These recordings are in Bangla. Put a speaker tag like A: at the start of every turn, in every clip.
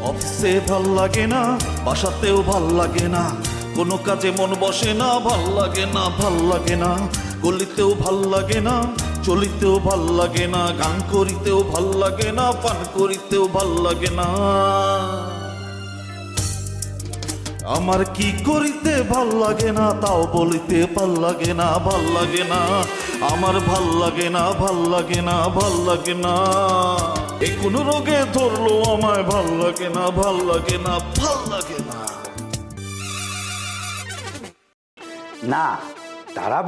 A: অফিসে ভাল লাগে না, বাসাতেও ভাল লাগে না, কোনো কাজে মন বসে না, ভাল লাগে না, ভাল লাগে না, গলিতেও ভাল লাগে না, চলিতেও ভাল লাগে না, গান করিতেও ভাল লাগে না, পান করিতেও ভাল লাগে না। আমার কি করিতে ভাল লাগে না, তাও বলিতে ভাল লাগে না, ভাল লাগে না, আমার ভাল লাগে না, ভাল লাগে না, ভাল লাগে না। এ কোন রোগে ধরলো আমায়, ভাল লাগে না, ভাল লাগে না, ভাল লাগে না।
B: না, তারা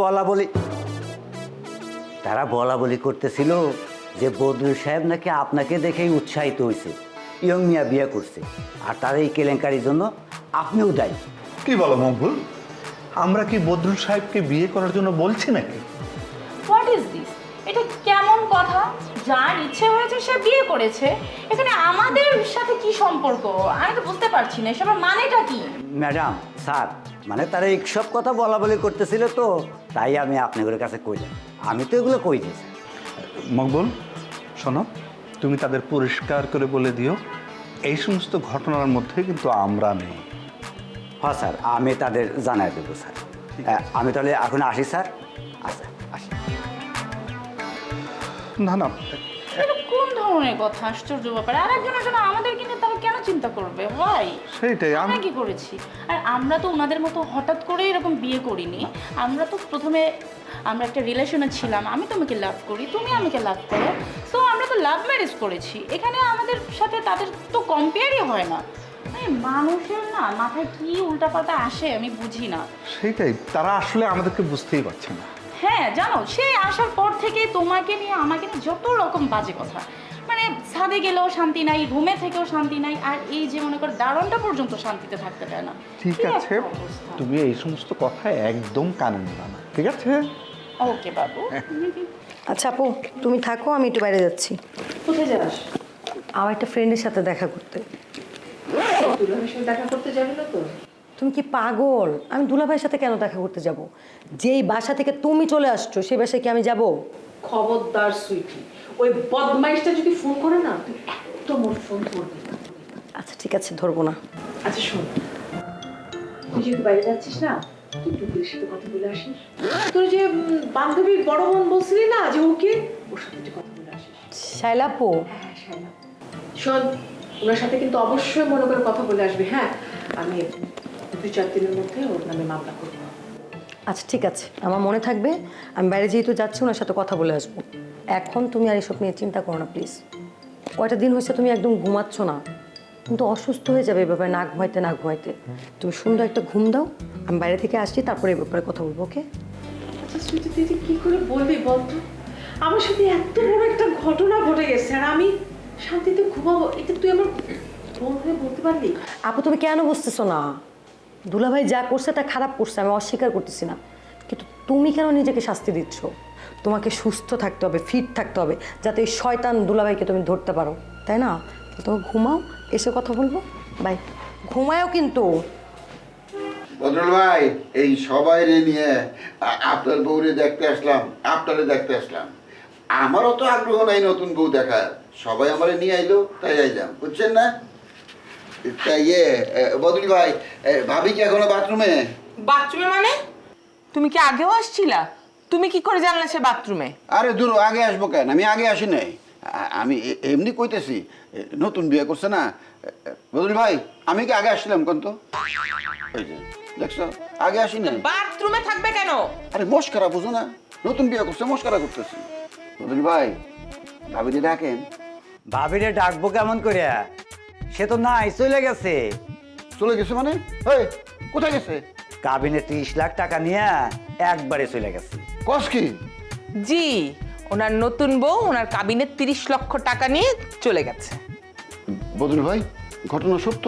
B: বলা বলি করতেছিল যে বদরুল সাহেব নাকি আপনাকে দেখেই উৎসাহিত হয়েছে, ইয়ং মিয়া বিয়ে করছে, আর তার এই কেলেঙ্কারির জন্য আপনিও দায়ী।
C: কি বলো মকবুল, আমরা কি বদরুল সাহেবকে বিয়ে করার জন্য বলছি নাকি?
D: What is this? এটা কেমন কথা? যার ইচ্ছে হয়েছে সে বিয়ে করেছে, এখানে আমাদের সাথে কি সম্পর্ক? আমি তো বুঝতে পারছি না এসবের মানেটা কি।
B: ম্যাডাম, স্যার, মানে তারা এইসব কথা বলা বলি করতেছিল, তো তাই আমি আপনাদের কাছে কইলাম। আমি তো এগুলো কই দিই।
C: মকবুল শোনো, তুমি তাদের পরিষ্কার করে বলে দিও এই সমস্ত ঘটনার মধ্যে কিন্তু আমরা নেই।
B: হ্যাঁ স্যার, আমি তাদের জানাই দেবো স্যার। আমি তাহলে এখন আসি স্যার। আচ্ছা, আসি।
C: না না,
D: এটা কোন ধরনের কথা? আশ্চর্য ব্যাপার। আর একজনের জন্য আমাদের কিনে তারা কেন চিন্তা করবে? ভাই,
C: সেইটাই
D: আমরা কি করেছি? আর আমরা তো ওনাদের মতো হঠাৎ করে এরকম বিয়ে করিনি। আমরা তো প্রথমে আমরা একটা রিলেশনে ছিলাম, আমি তোমাকে লাভ করি, তুমি আমাকে লাভ করো, সো আমরা তো লাভ ম্যারেজ করেছি। এখানে আমাদের সাথে তাদের তো কম্পেয়ারই হয় না। মানুষের না মাথায় কি উল্টাপাল্টা আসে আমি বুঝি না।
C: সেইটাই, তারা আসলে আমাদেরকে বুঝতেই পারছে না।
D: হ্যাঁ জানো, সে আসার পর থেকে তোমাকে নিয়ে আমাকে নিয়ে যত রকম বাজে কথা, মানে ছাদে গেলেও শান্তি নাই, রুমে থেকেও শান্তি নাই, আর এই যে মনে করো দারণটা পর্যন্ত শান্তিতে থাকতে দেয় না।
C: ঠিক
D: কি
C: আছে,
D: একটা অবস্থা।
C: তুমি এই সমস্ত কথা একদম কানে নেবা না, ঠিক আছে?
D: ওকে বাবু।
E: আচ্ছা আপু, তুমি থাকো, আমি একটু বাইরে যাচ্ছি।
D: কোথায় যাস?
E: আমার একটা ফ্রেন্ডের সাথে দেখা করতে।
D: দুলাভাইয়ের সাথে দেখা করতে যাবি না তো?
E: তুমি কি পাগল? আমি দুলাভাইয়ের সাথে কেন দেখা করতে যাব? যেই বাসা থেকে তুমি চলে আসছো সেই বাসায় কি আমি যাব?
F: খবরদার সুইটি, ওই বদমাইশটা যদি ফোন করে না, তুই একদম ওর ফোন ধরবি না।
E: আচ্ছা ঠিক আছে, ধরবো না।
F: আচ্ছা শোন, তুই যেহেতু বাইরে যাচ্ছিস না, তুই টুকুরের সাথে কথা বলে আসিস। তোর যে বান্ধবীর বড় বোন বলছিলি না যে ওকে, ওর সাথে একটু কথা বলে আসিস।
E: শাইলা আপু,
F: হ্যাঁ শাইলা, শোন, ওনার সাথে কিন্তু অবশ্যই মনে করে কথা বলে আসবে। হ্যাঁ, আমি 2-4 দিনের মধ্যে ওর নামে মামলা করবো।
E: আচ্ছা ঠিক আছে, আমার মনে থাকবে। আমি বাইরে যেহেতু যাচ্ছি ওনার সাথে কথা বলে আসবো। এখন তুমি আর এসব নিয়ে চিন্তা করো না প্লিজ। কয়টা দিন হয়েছে তুমি একদম ঘুমাচ্ছ না, কিন্তু অসুস্থ হয়ে যাবে এই ব্যাপারে, না ঘুমাইতে। তুমি সুন্দর একটা ঘুম দাও, আমি বাইরে থেকে আসছি, তারপরে এই ব্যাপারে কথা বলবো। ওকে?
F: আচ্ছা সুইটি, তুই কি করে বলবি বলতো? আমার সাথে এত বড় একটা ঘটনা ঘটে গেছে আর আমি শান্তিতে ঘুমাবো, এটা তুই আমার বোন হয়ে বলতে পারলি?
E: আপু তুমি কেন বুঝতেছো না? দুলাভাই যা করছে তা খারাপ করছে, আমি অস্বীকার করতেছি না, কিন্তু তুমি কেন নিজেকে শাস্তি দিচ্ছ? তোমাকে সুস্থ থাকতে হবে, ফিট থাকতে হবে, যাতে এই শয়তান দুলাভাইকে তুমি ধরতে পারো, তাই না? তো তুমি ঘুমাও, এসে কথা বলবো। বাই। ঘুমায়ও কিন্তু।
G: বদরুল ভাই, এই সবাই নিয়ে আপনার বউরে দেখতে আসলাম, আপনারে দেখতে আসলাম। আমারও তো আগ্রহ নাই নতুন বউ দেখার, সবাই আমারে নিয়ে আইলো তাই আইলাম, বুঝছেন না? তাই বদরুল ভাই, ভাবি কি এখনো বাথরুমে?
H: বাথরুমে মানে? তুমি কি আগেও আসছিলা? তুমি কি করে জানলে সে বাথরুমে?
G: আরে দূর, আগে আসবো কেন, আমি আগে আসি নাই। আমি এমনি কইতেছি, নতুন বিয়ে করছে না। বদরুল ভাই, আমি কি আগে আসছিলাম কোন তো? এই যে দেখছো, আগে আসি নাই।
H: বাথরুমে থাকবে কেন?
G: আরে মস্কারা বুঝো না, নতুন বিয়ে করছে, মস্কারা করতেছি। বদরুল ভাই, ভাবিরে ডাকেন।
B: ভাবিরে ডাকবো কেমন করে? সে তো নাই, চলে গেছে।
G: চলে গেছে মানে? এই কোথায় গেছে?
B: কাবিনে 30 লাখ টাকা নিয়ে একবারে চলে গেছে।
G: কস কি?
H: জি, ওনার নতুন বউ ওনার কাবিনে 30 লক্ষ টাকা নিয়ে চলে গেছে।
G: বদরুল ভাই, ঘটনা সত্য?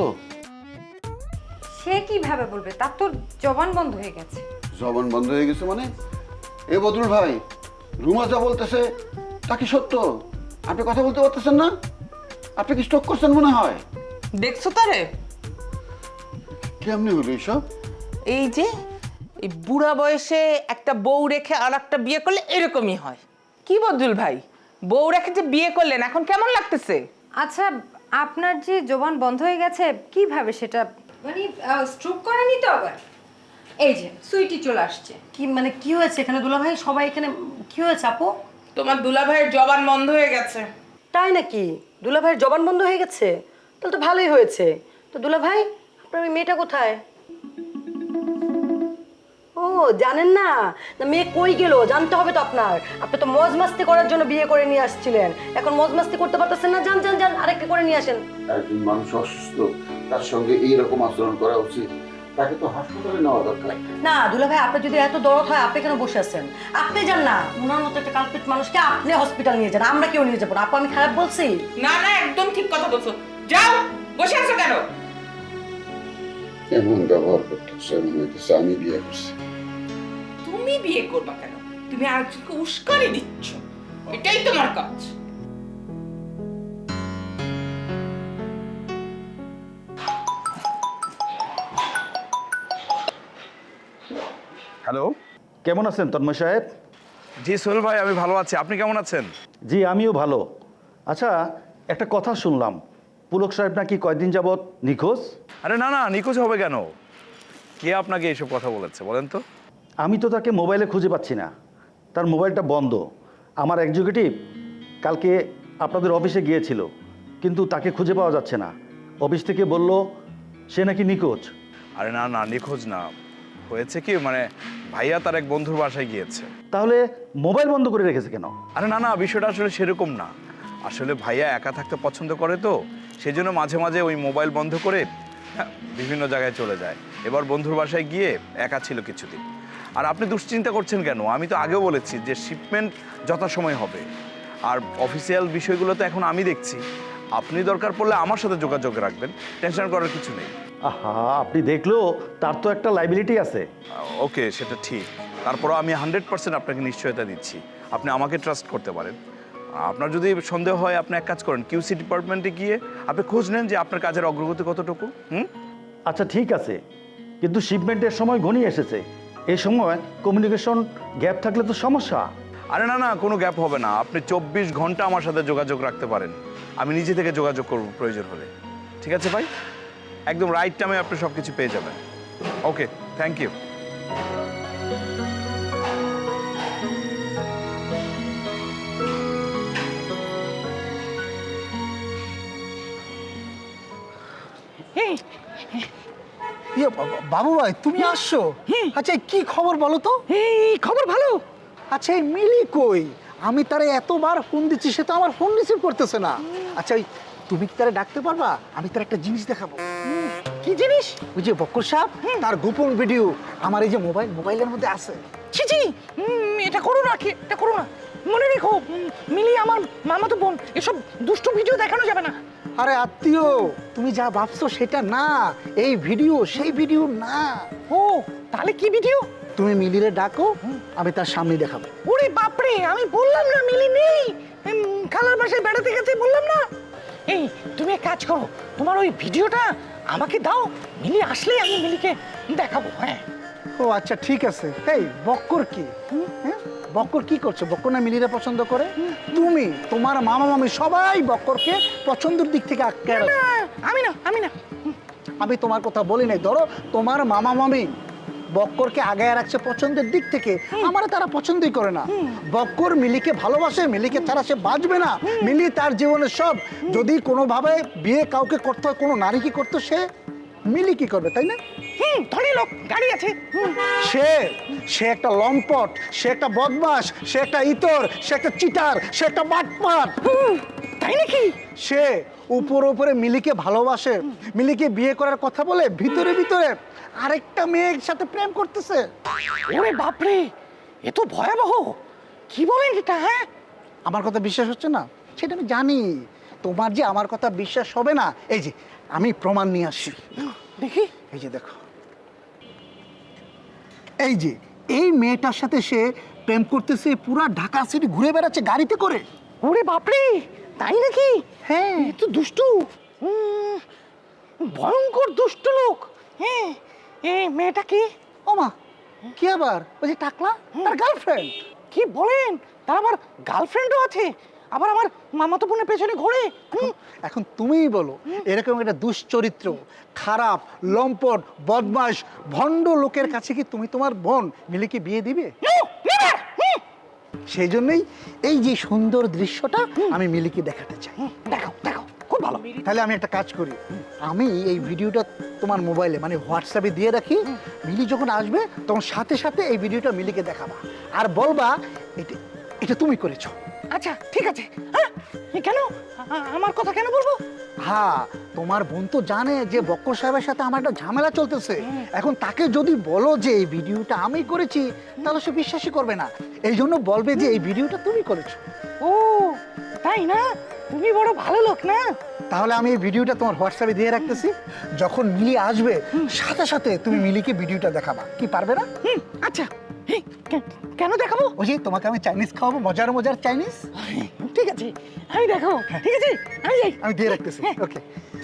I: সে কিভাবে বলবে? তার তো জবান বন্ধ হয়ে গেছে।
G: জবান বন্ধ হয়ে গেছে মানে? এ বদরুল ভাই, রুমা যা বলতেছে তা কি সত্য? আপনি কথা বলতে পারতেছেন না? আপনি কি স্ট্রোক করছেন মনে হয়?
H: দেখছো তারে?
G: কেমনি হলো এইসব?
H: এই যে এই বুড়া বয়সে একটা বউ রেখে আর একটা বিয়ে করলে এরকমই হয়। কি বদরুল ভাই, বউ রেখে যে বিয়ে করলেন, এখন কেমন লাগতেছে?
I: আচ্ছা আপনার যে জবান বন্ধ হয়ে গেছে কিভাবে সেটা মানে স্ট্রোক করেনি তো আবার? এই যে সুইটি চলে আসছে।
E: কি মানে কি হয়েছে এখানে দুলাভাই? সবাই এখানে কি হয়েছে আপু?
H: তোমার দুলাভাইয়ের জবান বন্ধ হয়ে গেছে।
E: তাই নাকি? দুলাভাইয়ের জবান বন্ধ হয়ে গেছে? তাহলে তো ভালোই হয়েছে। তো দুলাভাই, আপনার ওই মেয়েটা কোথায়? ও জানেন না? না মেয়ে কই গেল জানতে হবে তো আপনার। আপনি তো মজ মাস্তি করার জন্য বিয়ে করে নিয়ে আসছিলেন, এখন মজ মাস্তি করতে পারতেছেন না। যান যান যান, আরেকটা করে নিয়ে আসেন।
G: একজন মানুষ অসুস্থ, তার সঙ্গে এইরকম আচরণ করা উচিত? তাকে তো হাসপাতালে নেওয়া দরকার।
E: না দুলাভাই, আপনার যদি এত দরদ হয় আপনি কেন বসে আছেন? আপনি যান না, ওনার মতো একটা কালপিট মানুষকে আপনি হসপিটাল নিয়ে যান, আমরা কেউ নিয়ে যাবো না। আপু আমি খারাপ বলছি?
H: না না, একদম ঠিক কথা বলছো। যাও, বসে আছো কেন?
G: এমন ব্যবহার করতেছে মনে হইতেছে আমি বিয়ে করছি।
H: তুমি বিয়ে করবা কেন? তুমি আরেকজনকে উস্কানি দিচ্ছ, এটাই তোমার কাজ।
J: হ্যালো।
A: কেমন আছেন তন্ময় সাহেব?
J: জি সোহেল ভাই, আমি ভালো আছি। আপনি কেমন আছেন?
A: জি আমিও ভালো। আচ্ছা, একটা কথা শুনলাম, পুলক সাহেব নাকি কয়দিন যাবৎ নিখোঁজ?
J: আরে না না, নিখোঁজ হবে কেন? কে আপনাকে এইসব কথা বলেছে বলেন তো?
A: আমি তো তাকে মোবাইলে খুঁজে পাচ্ছি না, তার মোবাইলটা বন্ধ। আমার এক্সিকিউটিভ কালকে আপনাদের অফিসে গিয়েছিল, কিন্তু তাকে খুঁজে পাওয়া যাচ্ছে না। অফিস থেকে বলল সে নাকি নিখোঁজ।
J: আরে না না, নিখোঁজ না। হয়েছে কি, মানে ভাইয়া তার এক বন্ধুর বাসায় গিয়েছে।
A: তাহলে মোবাইল বন্ধ করে রেখেছে কেন?
J: আরে না না, বিষয়টা আসলে সেরকম না। আসলে ভাইয়া একা থাকতে পছন্দ করে, তো সেই জন্য মাঝে মাঝে ওই মোবাইল বন্ধ করে বিভিন্ন জায়গায় চলে যায়। এবার বন্ধুর বাসায় গিয়ে একা ছিল কিছুদিন। আর আপনি দুশ্চিন্তা করছেন কেন? আমি তো আগেও বলেছি যে শিপমেন্ট যথাসময় হবে, আর অফিসিয়াল বিষয়গুলো তো এখন আমি দেখছি। আপনি দরকার পড়লে আমার সাথে যোগাযোগ রাখবেন, টেনশন করার কিছু নেই।
A: আহা, আপনি দেখলেও তার তো একটা লাইবিলিটি আছে।
J: ওকে, সেটা ঠিক। তারপরও আমি 100% আপনাকে নিশ্চয়তা দিচ্ছি, আপনি আমাকে ট্রাস্ট করতে পারেন। আপনার যদি সন্দেহ হয়, আপনি এক কাজ করেন, কিউসি ডিপার্টমেন্টে গিয়ে আপনি খোঁজ নেন যে আপনার কাজের অগ্রগতি কতটুকু।
A: আচ্ছা ঠিক আছে, কিন্তু শিপমেন্টের সময় ঘনিয়ে এসেছে। এই সময় কমিউনিকেশন গ্যাপ থাকলে তো সমস্যা।
J: আরে না না, কোনো গ্যাপ হবে না। আপনি 24 ঘন্টা আমার সাথে যোগাযোগ রাখতে পারেন, আমি নিজে থেকে যোগাযোগ করব প্রয়োজন হলে। ঠিক আছে ভাই, একদম রাইট টাইমে আপনি সব কিছু পেয়ে যাবেন। Okay, thank you.
K: বাবু ভাই তুমি আসছো? আচ্ছা কি খবর বলো তো?
L: এই খবর ভালো।
K: আচ্ছা এই মিলি কই? আমি তারে এতবার ফোন দিচ্ছি, সে তো আমার ফোন রিসিভ করতেছে না। আচ্ছা ওই তুমি কি তারে ডাকতে পারবা? আমি তার একটা জিনিস দেখাবো।
L: কি জিনিস?
K: ওই যে বক্কর সাহেব, তার গোপন ভিডিও আমার এই যে মোবাইলের মধ্যে আছে।
L: ছি ছি, এটা করো না, এটা করো না। মনে রেখো, মিলি আমার মামাতো বোন, এসব দুষ্টু ভিডিও দেখানো যাবে না।
K: আরে আত্মীয়, তুমি যা ভাবছো সেটা না, এই ভিডিও সেই ভিডিও না।
L: ও তাহলে কি ভিডিও?
K: তুমি মিলিরে ডাকো, আমি তার সামনে দেখাবো।
L: ওরে বাপরে, আমি বললাম না মিলি নেই, খালার বাসায় বেড়াতে গেছে বললাম না। এই তুমি এক কাজ করো, তোমার ওই ভিডিওটা আমাকে দাও, মিলি আসলে আমি মিলিকে দেখাবো। হ্যাঁ।
K: ও আচ্ছা ঠিক আছে। এই বক্কর কি? হ্যাঁ বক্কর কি করছো? বক্কর না মিলিরে পছন্দ করে? তুমি, তোমার মামা মামি সবাই বক্করকে পছন্দের দিক থেকে আটকে রাখো।
L: আমি না।
K: আমি তোমার কথা বলি নাই। ধরো তোমার মামা মামি বক্করকে আগায় রাখছে পছন্দের দিক থেকে, আমার তারা পছন্দই করে না। বক্কর মিলিকে ভালোবাসে, মিলিকে ছাড়া সে বাঁচবে না। মিলি তার জীবনের সব। যদি কোনোভাবে বিয়ে কাউকে করতে হয়, কোনো নারী কি করতো, সে মিলি কি করবে, তাই না?
L: ধনী লোক, গাড়ি আছে।
K: সে একটা লম্পট, সে একটা বদমাস, সে একটা ইতর, সে একটা চিটার, সে একটা বাটপাট।
L: তাই নাকি?
K: সে উপরে মিলিকে ভালোবাসে, মিলিকে বিয়ে করার কথা বলে ভিতরে ভিতরে আরেকটা মেয়ের সাথে প্রেম করতেছে।
L: ওরে বাপরে, এ তো ভয়াবহ। কি বলেন এটা? হ্যাঁ,
K: আমার কথা বিশ্বাস হচ্ছে না সেটা আমি জানি, তোমার যে আমার কথা বিশ্বাস হবে না, এই যে আমি প্রমাণ নিয়ে আসছি।
L: দেখি।
K: এই যে দেখো, এই যে এই মেয়েটার সাথে সে প্রেম করতেছে, পুরা ঢাকা সিটি ঘুরে বেড়াচ্ছে গাড়িতে করে।
L: ওরে বাপরে, তাই নাকি?
K: হ্যাঁ,
L: তো দুষ্টু, ভয়ঙ্কর দুষ্ট লোক। হ্যাঁ, এই মেয়েটা কি?
K: ও মা, কি আবার? ওই যে টাকলা, তার গার্লফ্রেন্ড।
L: কি বলেন? তার আবার গার্লফ্রেন্ডও আছে? আবার আমার মামাতো বোনের পেছনে ঘোরে।
K: এখন তুমিই বলো, এরকম একটা দুশ্চরিত্র, খারাপ, লম্পট, বদমাশ, ভণ্ড লোকের কাছে কি তুমি তোমার বোন মিলিকে বিয়ে দিবে? সেই জন্যই এই যে সুন্দর দৃশ্যটা আমি মিলিকে দেখাতে চাই।
L: দেখো দেখো, খুব ভালো।
K: তাহলে আমি একটা কাজ করি, আমি এই ভিডিওটা তোমার মোবাইলে মানে হোয়াটসঅ্যাপে দিয়ে রাখি। মিলি যখন আসবে তখন সাথে সাথে এই ভিডিওটা মিলিকে দেখাবা আর বলবা এটা এটা তুমি করেছো।
L: আচ্ছা ঠিক আছে। হ্যাঁ, কেন আমার কথা কেন বলবো?
K: হ্যাঁ, তোমার বোন তো জানে যে বক্কর সাহেবের সাথে আমার একটা ঝামেলা চলতেছে। এখন তাকে যদি বলো যে এই ভিডিওটা আমি করেছি, তাহলে সে বিশ্বাসই করবে না। এই জন্য বলবে যে এই ভিডিওটা তুমি করেছো।
L: ও তাই না? তুমি বড় ভালো লোক না?
K: তাহলে আমি এই ভিডিওটা তোমার হোয়াটসঅ্যাপে দিয়ে রাখতেছি। যখন মিলি আসবে সাথে সাথে তুমি মিলিকে ভিডিওটা দেখাবা। কি পারবে না?
L: আচ্ছা, কেন দেখাবো?
K: ওই যে তোমাকে আমি চাইনিজ খাওয়াবো, মজার মজার চাইনিজ।
L: ঠিক আছে, আমি দেখাবো। ঠিক আছে, আমি যাই।
K: আমি দিয়ে রাখতেছি। ওকে।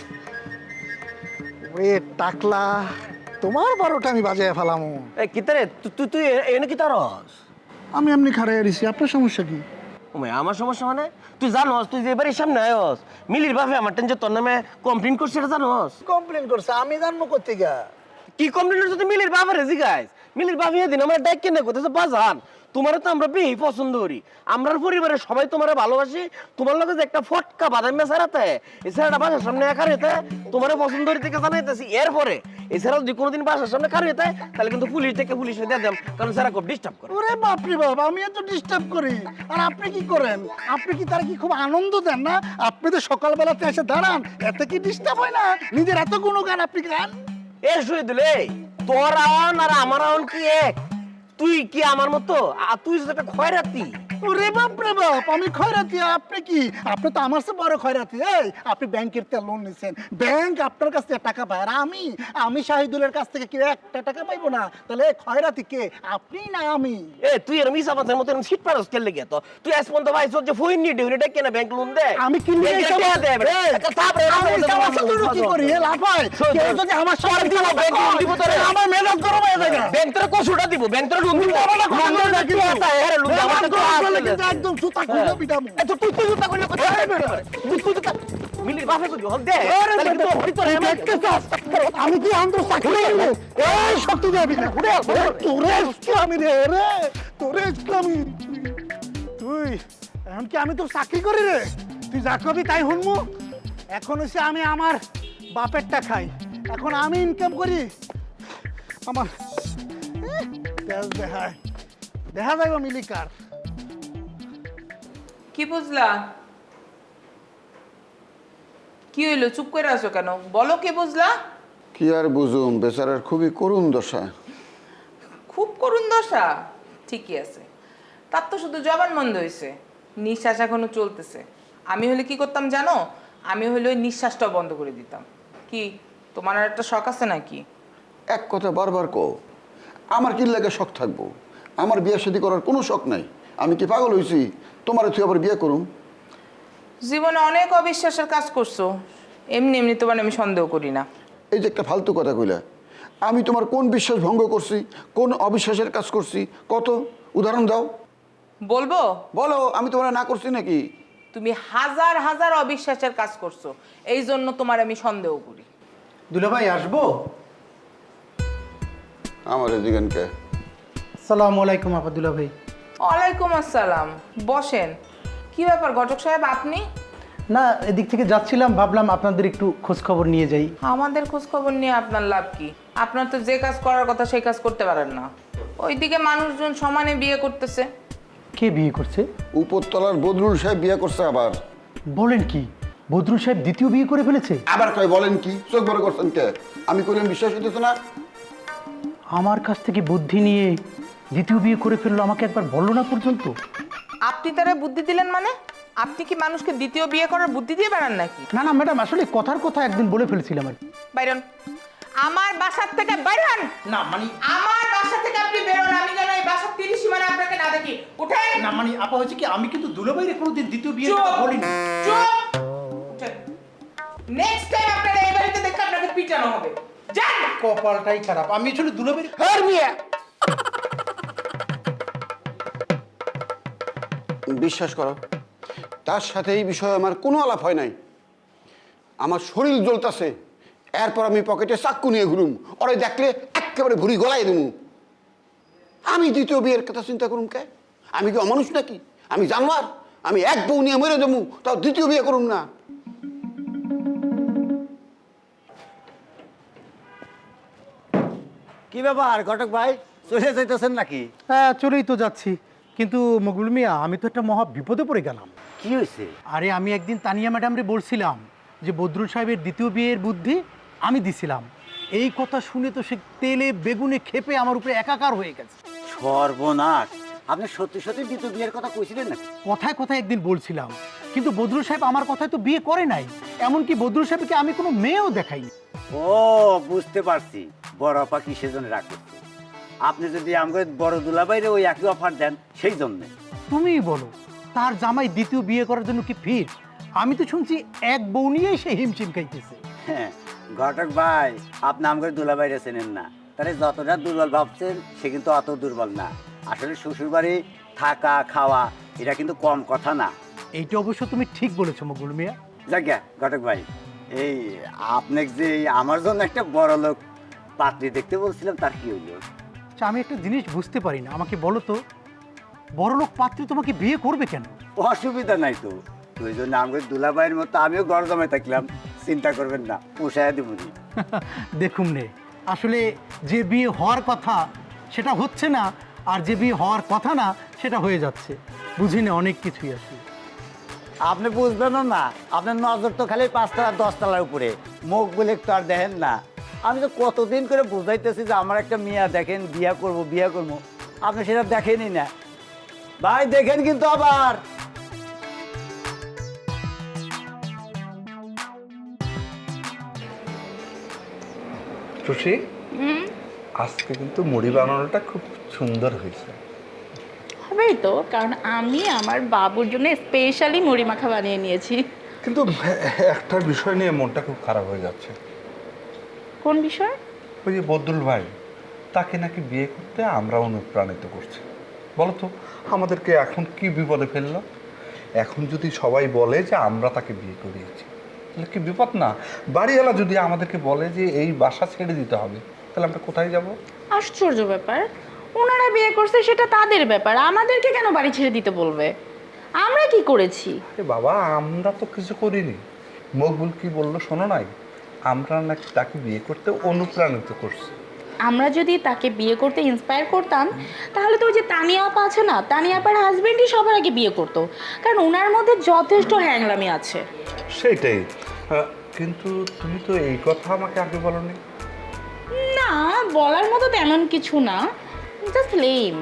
K: ওরে টাকলা, তোমার 12টা আমি বাজায় ফেলামু।
M: এই কিতারে তুই তুই এনে কি তারস?
K: আমি এমনি খারাই আছি, আপনার সমস্যা কি?
M: ওমে আমার সমস্যা মানে তুই জানোস তুই যে এবারে সামনে আয়স মিলির বাপে আমার টেনশন তোর নামে কমপ্লেইন করছে এটা জানোস?
K: কমপ্লেন করছে, আমি জানবো কোত্থেকে?
M: কি কমপ্লেইন করছে তুই মিলির বাবারে জিগাইস? মিলির বাপ এদিন আমার ডাক কেন করতেছে বাজান তোমারও তো আমরা বেশি পছন্দ করি, আমরা পরিবারের সবাই তোমারে ভালোবাসি, তোমার লগে যে একটা ফটকা বাদামি ছাড়াতে এছাড়া বাসার সামনে একা রেতে তোমারে পছন্দ করি থেকে জানাইতেছি। এরপরে এছাড়াও যদি কোনোদিন বাসার সামনে কার রেতে তাহলে কিন্তু পুলিশ থেকে পুলিশে দিয়ে দেব, কারণ স্যারা খুব ডিস্টার্ব করে।
K: ওরে বাপরে বাপ, আমি এত ডিস্টার্ব করি আর আপনি কি করেন? আপনি কি তারা কি খুব আনন্দ দেন না? আপনি তো সকালবেলাতে এসে দাঁড়ান, এত কি ডিস্টার্ব হয় না? নিজের এত গুণগান আপনি গান।
M: এ শুয়ে দিলে তোর আওয়ান আর আমার আওয়ান কি এক? তুই কি আমার মতো? আর তুই যেটা খয়রাতি।
K: ওরে বাপ রে বাপ, আমি খয়রাতি, আপনি কি? আপনি তো আমার চেয়ে বড় খয়রাতি। এই আপনি ব্যাংকের থেকে লোন নিছেন, ব্যাংক আপনার কাছ থেকে টাকা পায়, আর আমি শাহিদুলের কাছ থেকে কি একটা টাকা পাইবো না? তাহলে খয়রাতি কে, আপনি না আমি?
M: এ তুই এরম ইসাবাতের মতো সিট পারস কেন লেগে তো? তুই আজ পর্যন্ত ভাই যে ফোন নিয়ে ডিউনি ডাক কেন ব্যাংক লোন দে?
K: আমি কি নিয়ে
M: ব্যাংকে টাকা দে বে। একটা থাপ রে
K: আমি কি করি? এ লাফায় কেউ যদি আমার সাথে
M: দিব ব্যাংক লোন দিব তোরে।
K: আমার মেজাজ গরম হয়ে যায়।
M: ব্যাংক তোরে কসুটা দিব, ব্যাংক তোরে লোন দিব। লোন দে কি আছে? আরে লোন দে আমার তো
K: একদম জুতা খুলে পিটামু।
M: এ তুই তুই জুতা কইলে কথা তুই জুতা মিলির বাপে কই হল দে তাহলে কিন্তু হরি তোরে
K: আমি কি আন্দো চাকরি করব? এই শক্তি দেবি না তোরে ইসলামী রে তোরে ইসলামী। তুই এখন কি আমি তোর চাকরি করি রে? তুই যা করবি তাই শুনবো। এখন হচ্ছে আমি আমার বাপেরটা খাই, এখন আমি ইনকাম করি। আমার দেখা যাইব মিলিকার।
N: কি বুঝলা? কি হইলো? চুপ করে আছো কেন? বলো কি বুঝলা?
G: কি আর বুঝুম, বেচারার খুবই করুণ দশা।
N: খুব করুণ দশা? ঠিকই আছে, তার তো শুধু জবান বন্ধ হয়েছে, নিঃশ্বাস এখনো চলতেছে। আমি হলে কি করতাম জানো? আমি হলে ওই নিঃশ্বাসটাও বন্ধ করে দিতাম। কি তোমার আর একটা শখ আছে নাকি?
G: এক কথা বারবার কও, আমার কি লাগে শখ থাকবো? আমার বিয়ে শাদী করার কোনো শখ নাই। আমি কি পাগল হয়েছি তোমারে তুই আবার বিয়ে করুম?
N: জীবনে অনেক অবিশ্বাসের কাজ করছো, এমনি এমনি তোমার আমি সন্দেহ করি না।
G: এই যে একটা ফালতু কথা কইলা, আমি তোমার কোন বিশ্বাস ভঙ্গ করছি, কোন অবিশ্বাসের কাজ করছি, কত উদাহরণ দাও।
N: বলবো?
G: বলো, আমি তোমার না করছি নাকি?
N: তুমি হাজার হাজার অবিশ্বাসের কাজ করছো, এই জন্য তোমার আমি সন্দেহ করি।
K: দুলাভাই আসবো?
G: আমার এদিকে
K: সালামু আলাইকুম আপা। দুলাভাই
N: ওয়ালাইকুম আসসালাম, বসেন। কি ব্যাপার ঘটক সাহেব, আপনি?
K: না, এদিক থেকে যাচ্ছিলাম, ভাবলাম আপনাদের একটু খোঁজ খবর নিয়ে যাই।
N: আমাদের খোঁজ খবর নিয়ে আপনার লাভ কি? আপনার তো যে কাজ করার কথা সেই কাজ করতে পারেন না। ওইদিকে মানুষজন সমানে বিয়ে করতেছে।
K: কে বিয়ে করছে?
G: উপরতলার বদরুল সাহেব বিয়ে করছে। আবার
K: বলেন কি? বদরুল সাহেব দ্বিতীয় বিয়ে করে ফেলেছে?
G: আবার কয় বলেন কি? চোখ বড় করছেন কে? আমি কইলাম বিশ্বাস হইতেছে না।
K: আমার কাছ থেকে বুদ্ধি নিয়ে দ্বিতীয় বিয়ে করে ফেললো, আমাকে একবার বললো না পর্যন্ত।
N: আপনি তারা বুদ্ধি দিলেন মানে? আপনি কি মানুষকে দ্বিতীয় বিয়ে করার বুদ্ধি দিয়ে বেড়ান নাকি?
K: না না ম্যাডাম, আসলে কথার কথা একদিন বলে ফেলেছিলাম আর কি।
N: বাইরন, আমার বাসার থেকে বাইরন।
K: না মানে
N: আমার বাসা থেকে আপনি বেরোন, আমি যেন এই বাসার 30 সীমানা আপনাকে না দেখি। উঠেন।
K: না মানে আপা হচ্ছে কি, আমি কিন্তু দুলাভাইরে কোনোদিন দ্বিতীয় বিয়ে
N: চুপ,
K: বলিনি।
N: চুপ। উঠেন। নেক্সট টাইম আপনারা এই বাড়িতে দেখলে আপনাকে পিটানো হবে। যান।
K: কপালটাই খারাপ, আমি আসলে দুলাভাইরে
N: আর মিয়া
G: বিশ্বাস করো,
O: তার সাথে এই বিষয়ে আমার কোনো আলাপ হয় নাই। আমার শরীর জ্বলতাছে, এরপর আমি পকেটে চাক্কু নিয়ে ঘুরুম, ওরে দেখলে একেবারে ভুড়ি গলায় দেবো। আমি দ্বিতীয় বিয়ের কথা চিন্তা করুম কে? আমি কি অমানুষ নাকি? আমি জানোয়ার? আমি এক বউ নিয়ে মরে দেবো, তাও দ্বিতীয় বিয়ে করুম না?
B: কি ব্যাপার ঘটক ভাই, চলে যাইতেছেন নাকি?
K: হ্যাঁ, চলেই তো যাচ্ছি, কিন্তু মকবুল মিয়া আমি তো একটা মহা বিপদে পড়ে গেলাম।
B: কি হয়েছে?
K: আরে আমি একদিন তানিয়া ম্যাডামরে বলছিলাম যে বদরুল সাহেবের দ্বিতীয় বিয়ের বুদ্ধি আমি দিছিলাম। এই কথা শুনে তো সে তেলে বেগুনে খেপে আমার উপরে একাকার হয়ে গেছে।
B: সর্বনাশ! আপনি সত্যি সত্যি দ্বিতীয় বিয়ের কথা কইছিলেন নাকি?
K: কথায় কথায় একদিন বলছিলাম, কিন্তু বদরুল সাহেব আমার কথায় তো বিয়ে করে নাই। এমনকি বদরুল সাহেবকে আমি কোনো মেয়েও দেখাইনি।
B: ও, বুঝতে পারছি বড় আপা কিসের জন্য রাগ করছে। আপনি যদি আমাকে বড় দুলাভাইরে ওই একই অফার দেন সেই জন্যে।
K: তুমিই বলো, তার জামাই দ্বিতীয় বিয়ে করার জন্য কি ফিট? আমি তো শুনছি এক বউ নিয়েই সে হিমশিম খাইতেছে।
B: হ্যাঁ ঘটক ভাই, আপনি আমাকে দুলাভাইরে চেনেন না। তাহলে যতটা দুর্বল ভাবছেন সে কিন্তু অত দুর্বল না। আসলে শ্বশুরবাড়ি থাকা খাওয়া এটা কিন্তু কম কথা না।
K: এইটা অবশ্য তুমি ঠিক বলেছো মকবুল মিয়া।
B: যাজ্ঞা ঘটক ভাই, এই আপনাকে যে আমার জন্য একটা বড় লোক পাত্রী দেখতে বলছিলাম, তার কি হইল?
K: আচ্ছা, আমি একটা জিনিস বুঝতে পারি না, আমাকে বলো তো, বড়লোক পাত্রী তোমাকে বিয়ে করবে কেন?
B: অসুবিধা নাই তো, ওই জন্য আমাকে দুলাভাইয়ের মতো আমিও ঘর জমায় থাকলাম। চিন্তা করবেন না, পোষায় দেব।
K: দেখুন নে, আসলে যে বিয়ে হওয়ার কথা সেটা হচ্ছে না, আর যে বিয়ে হওয়ার কথা না সেটা হয়ে যাচ্ছে। বুঝি না অনেক কিছুই আছে।
B: আপনি বুঝবেন না, আপনার নজর তো খালি 5 তলা 10 তলার উপরে, মুখ বলে তো আর দেখেন না। আমি তো কতদিন করে বুঝাইতেছি যে আমার একটা মেয়া দেখেন, বিয়া করব বিয়া করব, আপনি সেটা দেখেনই না। ভাই দেখেন কিন্তু আবার।
C: টুসি, আজকে কিন্তু মুড়ি বানানোটা খুব সুন্দর হয়েছে।
D: হবেই তো, কারণ আমি আমার বাবুর জন্য স্পেশালি মুড়ি মাখা বানিয়ে নিয়েছি।
C: কিন্তু একটা বিষয় নিয়ে মনটা খুব খারাপ হয়ে যাচ্ছে।
D: কোন বিষয়?
C: ওই যে বদরুল ভাই, তাকে নাকি বিয়ে করতে আমরা অনুপ্রাণিত করছি। বলো তো, আমাদেরকে এখন কি বিপদে ফেললো? এখন যদি সবাই বলে যে আমরা তাকে বিয়ে করিয়েছি, তাহলে কি বিপদ না? বাড়িওয়ালা যদি আমাদেরকে বলে যে এই বাসা ছেড়ে দিতে হবে, তাহলে আমরা কোথায় যাব?
D: আশ্চর্য ব্যাপার, ওনারা বিয়ে করছে সেটা তাদের ব্যাপার, আমাদেরকে কেন বাড়ি ছেড়ে দিতে বলবে? আমরা কি করেছি?
C: বাবা, আমরা তো কিছু করিনি। মকবুল কি বললো শোনো নাই? আমরা নাকি তাকে বিয়ে করতে অনুপ্রাণিত করছি।
D: আমরা যদি তাকে বিয়ে করতে ইন্সপায়ার করতাম, তাহলে তো ওই যে তানিয়া আপা আছে না, তানিয়া আপার হাজবেন্ডই সবার আগে বিয়ে করতো, কারণ ওনার মধ্যে যথেষ্ট হ্যাংলামি আছে।
C: সেইটাই, কিন্তু তুমি তো এই কথা আমাকে আগে বলোনি।
D: না, বলার মতো তেমন কিছু না, জাস্ট লেম।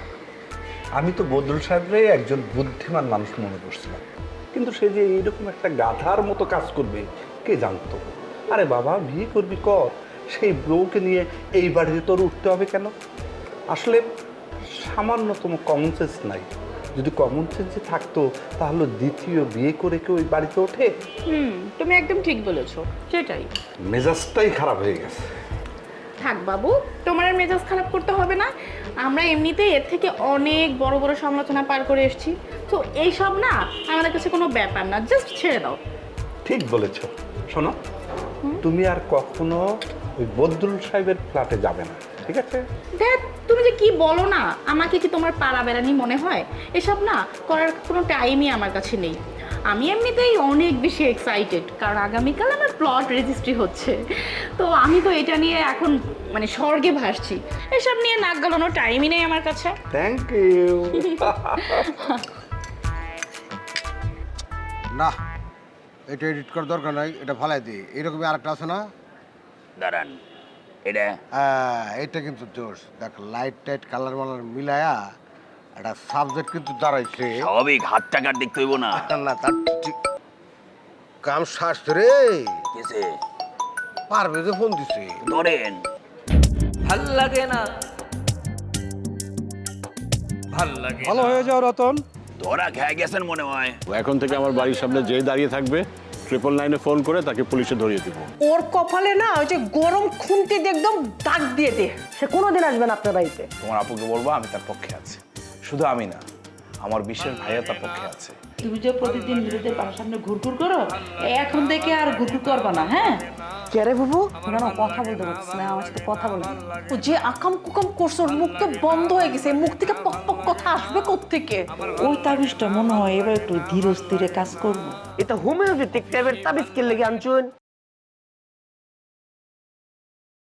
C: আমি তো বদরুল সাহেবরে একজন বুদ্ধিমান মানুষ মনে করছিলাম, কিন্তু সে যে এইরকম একটা গাধার মতো কাজ করবে কে জানতো? আরে বাবা, বিয়ে করবি কর, সেই বউকে নিয়ে এই বাড়িতে তোর উঠতে হবে কেন? আসলে সামান্যতম কমন সেন্স নাই। যদি কমন সেন্সে থাকতো তাহলে দ্বিতীয় বিয়ে করে কেউ ওই বাড়িতে ওঠে?
D: তুমি একদম ঠিক বলেছো, সেটাই।
C: মেজাজটাই খারাপ হয়ে গেছে।
D: থাক বাবু, তোমার আর মেজাজ খারাপ করতে হবে না। আমরা এমনিতেই এর থেকে অনেক বড় বড় সমালোচনা পার করে এসেছি, তো এইসব না আমাদের কাছে কোনো ব্যাপার না, জাস্ট ছেড়ে দাও।
C: ঠিক বলেছ। শোনো, তুমি আর কখনো ওই বদরুল সাহেবের ফ্ল্যাটে যাবে না, ঠিক আছে?
D: দেখ, তুমি যে কি বলো না, আমাকে কি তোমার পাড়া বেড়ানি মনে হয়? এসব না করার কোনো টাইমই আমার কাছে নেই। আমি এমনিতেই অনেক বেশি এক্সাইটেড, কারণ আগামীকাল আমার প্লট রেজিস্ট্রি হচ্ছে, তো আমি তো এটা নিয়ে এখন মানে স্বর্গে ভাসছি। এসব নিয়ে নাক গলানোর টাইমই নেই আমার কাছে।
C: Thank you.
P: না, এটা এডিট করার দরকার নাই, এটা ফালাই দিই। এরকমই আরেকটা আছে না?
B: দাঁড়ান, এটা
P: এটা কিন্তু জোশ। দেখ, লাইট টাইট কালার মালার মিলায়া একটা সাবজেক্ট কিন্তু দাঁড়াইছে।
B: স্বাভাবিক, হাত টাকার দেখতে হইব না।
P: না, তার ঠিক কাম সারছে রে।
B: কেসে
P: পারবে যে ফোন দিছে,
B: ধরেন।
M: ভাল লাগে না,
J: ভাল লাগে।
K: ভালো হয়ে যাও রতন।
B: ধরা খেয়ে গেছেন মনে হয়।
Q: এখন থেকে আমার বাড়ির সামনে যে দাঁড়িয়ে থাকবে 999-এ ফোন করে তাকে পুলিশে ধরিয়ে দিব।
L: ওর কপালে না ওই যে গরম খুন্তি দিয়ে একদম দাগ দিয়ে দে।
E: সে কোনোদিন আসবে না আপনার বাড়িতে।
J: তোমার আপুকে বলবো আমি তার পক্ষে আছি। শুধু আমি না, আমার বিশেষ ভাইয়া তার পক্ষে আছে।
F: তুমি যে প্রতিদিন মিলিদের বাসার সামনে ঘুরঘুর করো, এখন থেকে আর ঘুরঘুর করবা না, হ্যাঁ?
L: কে রে বাবু?
E: না না, কথা বলতে পারছি না, আমার সাথে কথা বলে না।
F: ও যে আকাম কুকাম করছো, ওর মুখ তো বন্ধ হয়ে গেছে, মুখ থেকে পক পক কথা আসবে কোত্থেকে? ওই তাবিজটা মনে হয় এবার একটু ধীরে স্থিরে কাজ করবো।
M: এটা হোমিওপ্যাথিক টাইপের তাবিজ কে লেগে আনছুন?